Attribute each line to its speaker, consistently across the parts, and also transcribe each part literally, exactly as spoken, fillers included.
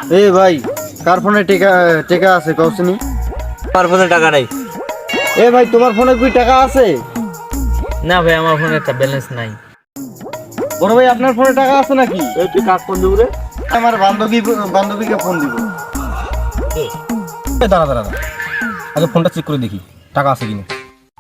Speaker 1: এ ভাই কার ফোনে টাকা টাকা আছে কওছনি?
Speaker 2: আমার ফোনে টাকা নাই।
Speaker 1: এ ভাই তোমার ফোনে কি টাকা আছে?
Speaker 2: না ভাই আমার ফোনে একটা ব্যালেন্স নাই।
Speaker 1: বড় ভাই আপনার ফোনে টাকা আছে নাকি?
Speaker 2: এই তুই কাক ফোন দিবি রে?
Speaker 1: আমার বান্ধবী বান্ধবীকে ফোন দিব।
Speaker 3: এ দাঁড়া দাঁড়া দাঁড়া। আগে ফোনটা চেক করে দেখি টাকা আছে কিনা।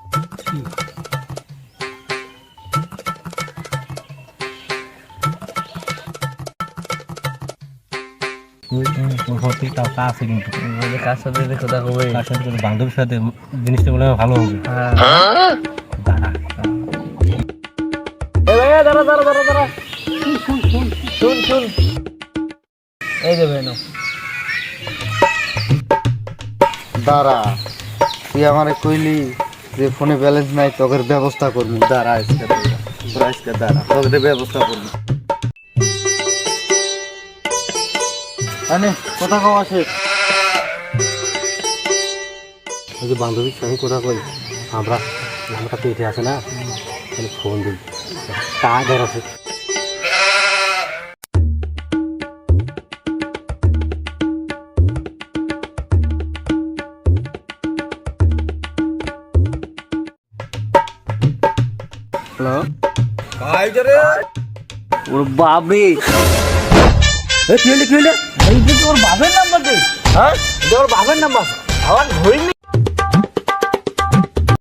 Speaker 3: টাকা আছে কিন্তু
Speaker 2: কার সাথে কথা কবে?
Speaker 3: তার সাথে কিন্তু বান্ধবীর সাথে জিনিসটা বলে ভালো হবে। দাঁড়া
Speaker 2: এ ভাই দাঁড়া দাঁড়া দাঁড়া দাঁড়া। শুন শুন এই যে ভাই নাও।
Speaker 1: দাঁড়া, তুই আমারে কইলি যে ফোনে ব্যালেন্স নাই, তোকের ব্যবস্থা করবো। দাঁড়া আজকে দাঁড়া আজকে দাঁড়া তোকে ব্যবস্থা করবো। আনে কথা কও আসে।
Speaker 3: ওই যে বান্ধবীর সঙ্গে কথা কই আমরা নামটা পেটে আছে না, তাহলে ফোন দিই তা ধর আছে।
Speaker 1: হ্যালো
Speaker 2: ওর বাপরে,
Speaker 3: এ কি হইলে কি হইলে?
Speaker 2: এই যে তোর বাপের নাম্বার দে। হ্যাঁ, এটা ওর বাপের নাম্বার। আবার ধরিনি।